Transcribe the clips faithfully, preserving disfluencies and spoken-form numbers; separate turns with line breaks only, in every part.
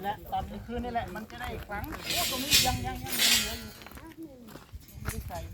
แหละตอนนี้คืนนี่แหละมันจะได้ครั้งโอ้ตรงนี้ยังยังยังยังเหลืออยู่ไม่ได้ใส่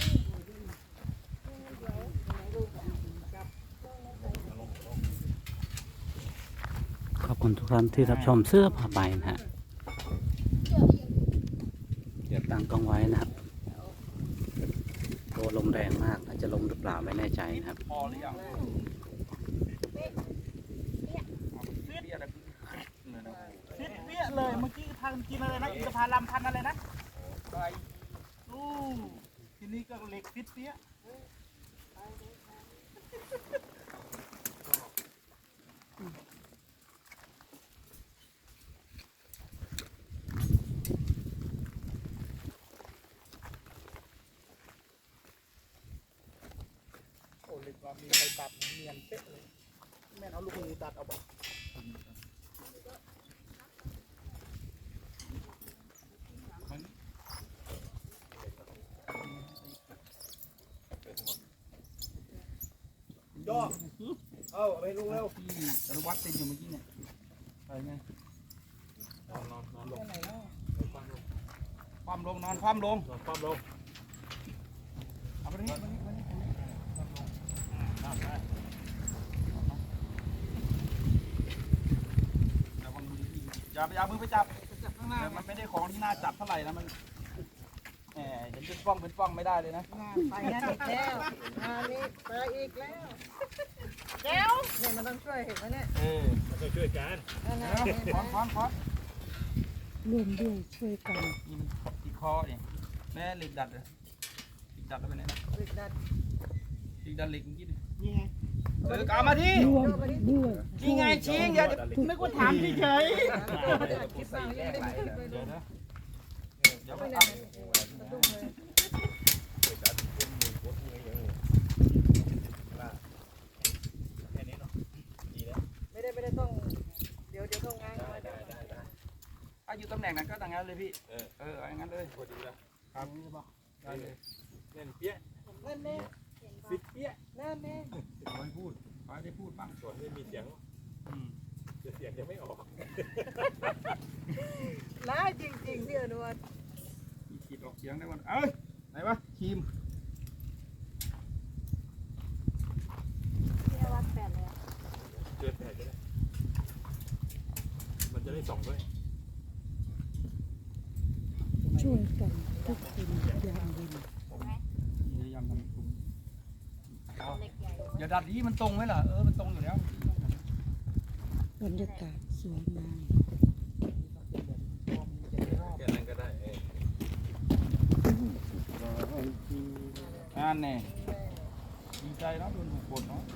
ขอบคุณทุกท่านที่รับชมเสื้อผ้าใบนะฮะเดี๋ยวตั้งกล้องไว้นะครับตัวลมแรงมากอาจจะลมหรือเปล่าไม่แน่ใจนะครับ
พอหรือยังฟิตเปี้ยเลยเมื่อกี้ทานกินอะไรนะอินทผลัมพันอะไรนะไปอู้ทีนี้ก็เหล็กฟิตเปี้ยโอ้เหล็กว่ามีใครตัดเนียนเป๊ะเลยแม่เอาลูกมือตัดเอาบอกย่อเอาไปลุงเร็วที่รวัตเต็มอยู่เมื่อกี้เนี่ยไปไงนอนนอนนอนลงความลงนอนความลงนอนความลงเอาไปนี่มานี่มานี่มานี่อย่าไปเอามือไปจับข้างหน้ามันไม่ได้ของที่น่าจับเท่าไหร่นะมันแหมเห็นเป็นป้องเป็นป้องไม่ได้เลยนะ
ไปนั่นอีกแล้วงานนี้ไปอีกแล้วแก้วเนี่ยมันต้องช่วยเห็นไหมเนี่ย
เออ
มันต้องช่วยกัน
คอนคอนคอน
รวมด้วยช่วยกัน
นี่มันติดคอเนี่ยแม่เหล็กดัดเลยเหล็กดัดแล้วไปไหนเหล็กดัดเหล็กดัดเหล็กเมื่อกี้นี่ไงเออกลับมาที่
รวมด้วย
นี่ไงชิงอย่าไม่ควรถามเฉย
คิดบ้างยังไม่ได้ไปดู
เดี๋ยวไปเอา
ไม่ได้ไม่ได้ต้องเดี๋ยวเดี๋ยวต้องงานมาได้
ถ้าอยู่ตำแหน่งนั้นก็ต่างกันเลยพี่เออเอออย่างนั้นเลยพอดีแล้วครับได้เลย
เล่นเปี้ย
นั่นแน่
ฟิตเปี้ย
นั่นแน่
ไม่พูดไม่ได้พูดบ้าง
ส่วนไม่มีเสียงเสียงยังไม่ออก
ร้ายจริงๆพี่อนุวัฒน์
มีขีดออกเสียงได้วันเอ้ยไหนวะครีม
พี่อนุวัฒน์แปดเลย
เกินแปดก็ได้มันจะได้ส่องด้วย
ช่วยกันทุกคนอย่างดี
พยายามทำคุ้มอย่าดัดนี้มันตรงไหมล่ะเออมันตรงอยู่แล้ว
บรรยากาศสวยงาม
แค่นั้นก็ได้
งานเนี่ยดีใจเนาะโดนถูกกดเนาะ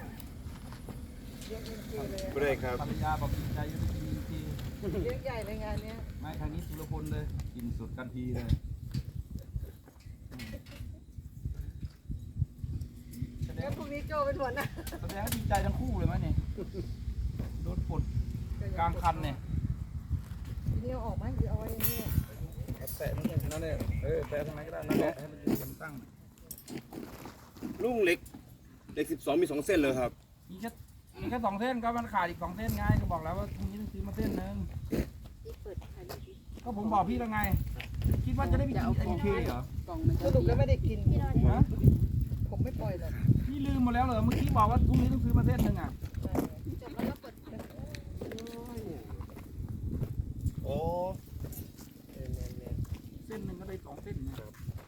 ไม่ได้ครับ
ภรรยาบอกดีใจยังดีที
เยอะใหญ่ในงานนี้
ไม่ทางนี้สุรพลเลยกินสุดกันทีเลย
แล้วพรุ่งนี้โจเป็นหัวหน้า
แสดงว่าดีใจทั้งคู่เลยไหมเนี่ยโดนปลดกลางคันเนี่ย
ทีนี้เอาออกไหมหรือเอาไว้นี่
แตะนั่นเองนั่นเองเออแตะทางไหนก็ได้นั่นแหละให้มันยืนตั้ง
ลุงเล็กเล็กสิบสองมีสองเส้นเลยครับ
มีแค่มีแค่สองเส้นก็มันขาดอีกสองเส้นไงก็บอกแล้วว่าพรุ่งนี้ต้องซื้อมาเส้นหนึ่งก็ผมบอกพี่แล้วไงคิดว่าจะได้ไปกินไอเคเหรอ
สรุปก็ไม่ได้กินผมไม่ปล่อยหรอก
พี่ลืมหมดแล้วเหรอเมื่อกี้บอกว่าพรุ่งนี้ต้องซื้อมาเส้นหนึ่งอ่ะ
โอ้
เส้นหนึ่งก็ได้สองเส้นนะ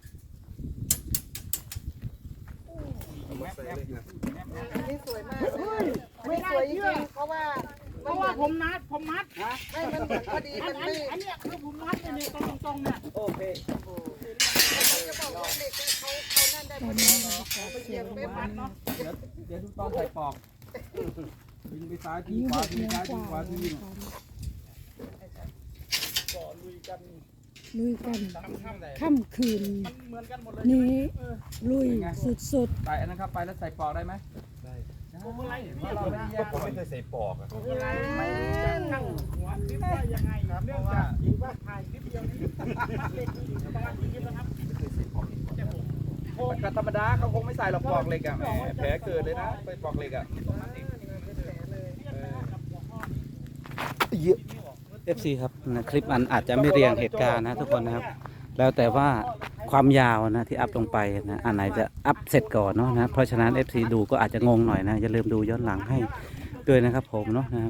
นี่สวยมากไม่สวยจริงเพราะว่า
เพราะว่าผมนัดผมมัด
ไม่มันเหมือนพอดีมันไม่
อันนี้คือผมมัดเนี่ยตรงตรงเนี่ย
โอเค
จะบอกว่าเด็กเขาเขานั่นได้พอดีไปเหยียบไปมัดเนาะ
เดี๋ยวเดี๋ยวดูตอนใส่ปอกยิงไปซ้ายทีขวาทีซ้ายทีขวาทีก็ลุยกัน
ลุยกันค่ำคืนนี้ลุยสุดๆ
ใส่อันนั้นครับไปแล้วใส่ปอกได้ไหม
ได้
ผมอะไรเราไม่แยก
ผมไม่เคยใส่ปอกอ่ะ
ไม่จะนั่งหัวคลิปว่ายังไงเนื่องจากคิดว่าถ่ายคลิปเดียวนี้ประมาณกี่คลิปแล้วครับ
ไม่เคยใส่ปอก
ก็ธรรมดาเขาคงไม่ใส่หรอกปอกเหล็กอ่ะแผลเกิดเลยนะไปปอกเหล็กอ่ะ
เยอะ
เอฟ ซี ครับนะคลิปมันอาจจะไม่เรียงเหตุการณ์นะทุกคนนะครับ แล้วแต่ว่าความยาวนะที่อัพลงไปนะอันไหนจะอัพเสร็จก่อนเนาะนะเพราะฉะนั้น เอฟ ซี ดูก็อาจจะงงหน่อยนะอย่าลืมดูย้อนหลังให้ด้วยนะครับผมเนาะนะครับ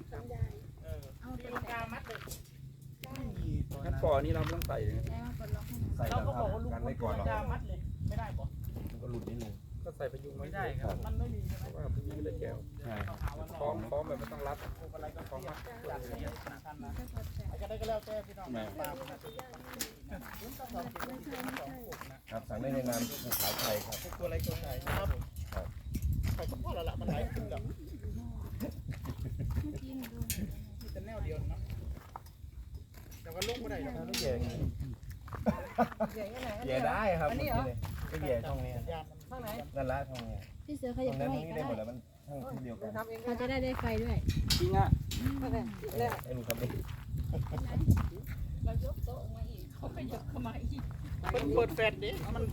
ขั้นปอนี่เราไม่ต้องใส่เลยนะ
ใส่
เรา
แล้ว
ก็
ค
บ
รั
อบ กว่าลุง
กัน
คุ
ไม่
ณ
ก่อนหรอก
ยามัดเลยไม่ได้ปะ
มันก็หลุดนิดนึง
ก็ใส่พยุง
ไม่ได้ครับ มันไม่มีใช่ไหม
ว่าพยุงไม่ได้แก้ว
ใช่
พร้อมพร้อมแบบไม่ต้องรัด
อะไรก็ฟ้องมาจัดเสียขนาดนั้นนะจะได้ก็แล้วแต่พี่น้องตามนะสองสิบนาทีสองหกนะครับ
สั่งได้ในนามภูเขาไทยครับ
ตัวอะไรตัวไหนครับใส่ก็พอแล้วล่ะมันหลายขึ้นแล้วมีแต่แนวเดียวเนาะแต่ว่าลุกไม่ได้หรอก
ไม่แย่
ใหญ่ยังไง
แย่ได้ครับ
อันนี้เหรอ
ก็แย่ช่องนี้
ยามมัน
ข้างไหน
นั่นละช่องนี้
พี่เสือข
ตร
ยับ
ง
ไป
นั้น
ให้
นี่
ก็
ได้หมด
ได้
แล้วมันช่องที่เดียวกัน
ทำเองก็
เราจะได้ได้ไฟด้วย
จริงอ่ะ
ได้แล้ว
ไอ้ลุงครับนี่
มันเปิดแฟลชดิมัน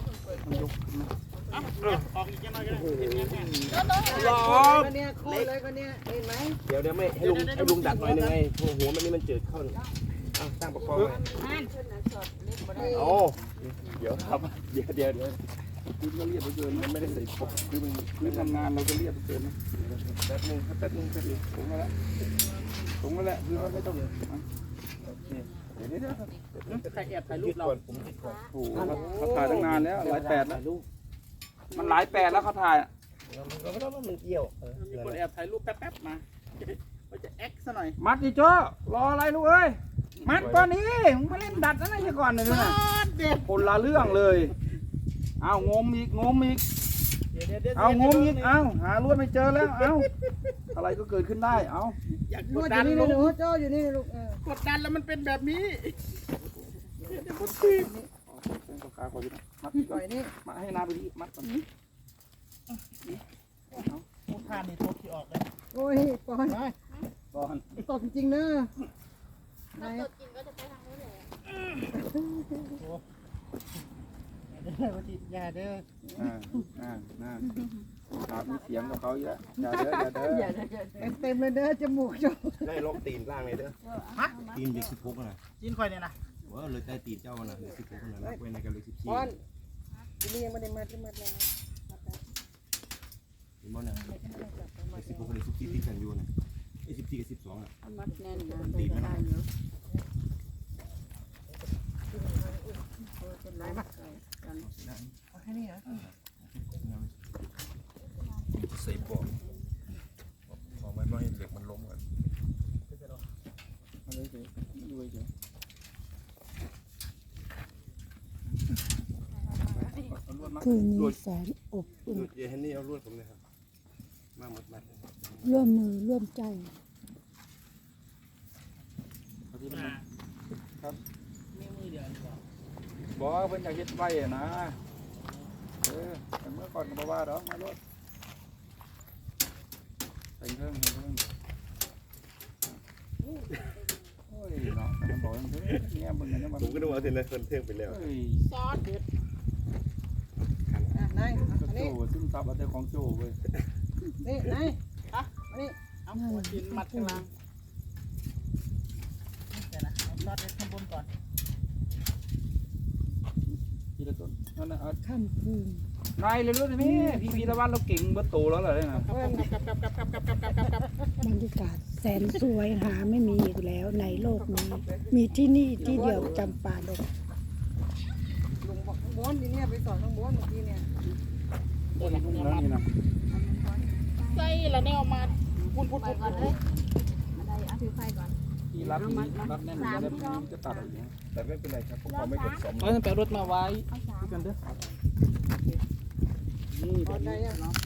ออกอีกยังไงก็ได้เห็นไหม
หลอก็เนี่ยโค่นเลยก็เนี่ยเห็นไหม
เดี๋ยวเดี๋ยวไม่ให้ลุงให้ลุงดัดหน่อยนึงไงหัวมันนี่มันจืดเข้าอ่ะตั้งประคองไว้โอ้เดี๋ยวครับเดี๋ยวเดี๋ยวเดี๋ยว
คือก็เรียบไปเกินมันไม่ได้ใส่ปกคือมันคือทำงานเราก็เรียบไปเกินนะ
แป๊บนึงครับแป๊บนึงแป๊บนึง
ถุงมาแล้วถุงมาแล้วคือว่าไม่ต้องโอเคเดี๋ยวนี้เดี๋ยว
ใครแอบถ่ายรูปเรา
ผมคิดก่อน
โอ้โหเขาถ่ายตั้งนานแล้วหลายแปดแล้วมันหลายแปดแล้วเขาถ่าย
เราไม่ต้องว่ามันเกี่ยว
มีคนแอบถ่ายรูปแป๊บๆมาว่าจะแอคซะหน่อย
มัดดิโจ้รออะไรลูกเอ้ยมัดก่อนนี้มึงมาเล่นดัดนั่นไอ้ก่อนเลยนะ
เด็ด
คนละเรื่องเลยเอางมอีกงมอีก
เดี๋ยวเดี๋ยวเดี๋ยว
เอางมอีกเอาหาลวดไม่เจอแล้วเอาอะไรก็เกิดขึ้นได้เอา
อยาก
น
ก
ว
ด
ดอ
ดัน
ยู่นี่
ลู
นะหนู
ก
โจ้อยู่นี่ลูกเออก
ดดันแล้วมันเป็นแบบนี้
เป็นปากกาขออยู่นะมัด
ปล่อยนี่
มาให้นาไปที่มัดก่อน
พูดท่านี่ตัวที่ออกเลย
โอ้ยปอน
ก่อน
ตกจริงๆเนอะไหน
ตดกินก็จะไปทางนู้นเลย
เด้อวันที่ยาเด้อ
อ่าอ่าอ่าขาดมีเสียงกับเขาเยอะอย่าเด้ออย่าเด้อ
เต็มเลยเด้อจมูกโจ้
ได้ลบตีนล่างเลยเด้อ
ฮะ
ตีนเด็กสิบหกนะ
จีนคอยเนี่ยนะ
ว่าเลยได้ตีนเจ้านะเด็กสิบหกนะนับไว้ในกันเลยสิบสี่
ปอนทีนี้ยังไม่ได้มัดที่มัดแล้ว
เห็นมั้ยเนี่ยเด็กสิบหกกับเด็กสิบสี่ตีกันอยู่นะไอ้สิบสี่กับสิบสองอ่ะ
มัดแน่นนะ
ตีนมัน
ไหนมาเอาแค่นี้เหรอ
ใส่ปอกปอกไว้ไม่ให้เหล็กมันล้มกัน
มาเลยเฉยดูเฉย
คืนนี้แสนอบอุ่น
เดี๋ยวให้นี่เอาลวดผมเลยครับมาหมดมา
ร่วมมือร่วมใจ
เอาที่มัน
มีมือเดียวดีกว่า
บอกว่าเพิ่นอยากเฮ็ดไว้อะนะเออแต่เมื่อก่อนก็บ่ว่าดอกมาลวดใส่เครื่องใส่เครื่องโอ้ยเนาะมันบอกอย่างนี้เนี่ยมึงเนี่ยมัน
ผมก็นึกว่าเทนเลยคนเที่ยงไปแล้ว
เอ้ย
ซอสเด็ด
อ่ะนาย
ก็
อันนี้
โจ้ซึมซับเอาแต่ของโจ้เว้ย
นี่นายอ่ะอันนี้
เอาหัวจีนมัดข้างล่างเดี๋ยวนะเอาซอสเด็ดข้างบนก่อน
ทีละต้นนั่นน่ะเอา
ค่ำคืน
นายเลยรู้สิพี่พี่พีละวันเราเก่งเบิดโตแล้วเหรอเนี่ยนะ
กับกับกับกับกับกับกับกับกับ
บรรยากาศแสนสวยหาไม่มีอีกแล้วในโลกนี้ มีที่นี่ที่เดียวจำปาดก
ลุงบอกข้างบนทีเนี้ยไปสอนข้างบนเมื่อกี้เนี่ย
เดี๋ยวนะ
นี่
เนี่ย
นะ
มัด
นี่นะ
ใส่ละแนวมาพูดพูด
ไป
พูด
ก่อนเลยอะไรเอาถือไฟก่อน
ที่รัดนี่รัดแน่นจะได้ไม่จะตัดออกอย่างเงี้ย
แต่ไม่เป็นไรครับเพราะเขาไม่กดสม
เอาแปะรถมาไว้
เอาสาม
กันเด้อ
นี่
พ
แบ
อบ ใจ
นี้
ยังเนาะ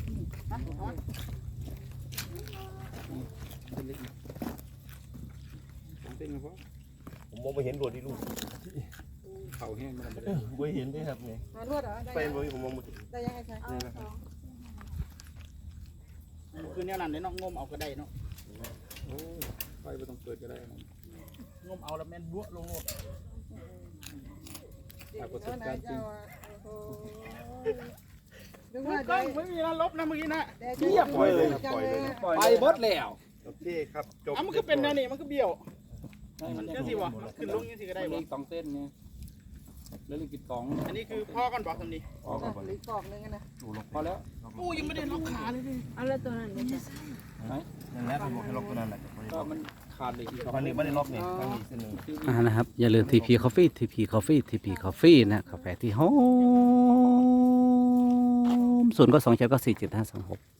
เป็นเล็กนะผมเต้นนะพ่อ
ผมมองไม่เห็นรวดที่ลูก
เข่าแห้งมันไม่ได้
ไม่เห็นด้วยครับนี่
หานวดเหรอได้
ไป
ยัง
บ่ผมมองไม่เห็น
ได้ยังไงใช่
เอาสอง
คือแนวนั้นเดี๋ยวน้องงมเอาก็ได้เนาะ
โอ้ยไฟไม่ต้องเปิดก็ได้นะ
งมเอาแล้วแม่นบัวลงโลด
หากประส
เออบ ไหน
การณ์จริ
เจ้าง อ่ะโอ้โหนึก
ก
ว่า
ล้
ได้
องไม่มีนะลบนะเมื่อกี้นะ
เรียบ
ปล่อยเลยครับปล่อยเลย
ไปเบิดแล้ว
โอเคครับจบ
อ่ะมันก็เป็นแนวนี้มันก็เบี้ยว
มัน
เจ้าสิบ่ขึ้นลงยังสิก็ได้
ได้
บ่
อีกสองเส้นไงแล้วอีกกล่อง
อันนี้คือพ่อกันบอกทำนี้
ออกก่อน
หรือกรอกนึงนะ
พอแล้ว
อู้ยังไม่ได้ล็อกขาเลยดิ
เอาแล้วตัวนั้นเนี่ย
ไหน
นั่นแหละเป็นบอกให้ล็อกตัวนั้นแหละ
ก็มันขาดเลยอีกสอง
ตอนนี้ไม่ได้ล็อกนี่ตั้งอีกเส้นหนึ่ง
อ่านะครับอย่าลืม ที พี Coffee ที พี Coffee ที พี Coffee นะกาแฟที่หอมศูนย์ก็สองเจ็ดก็สี่เจ็ดห้าสองหก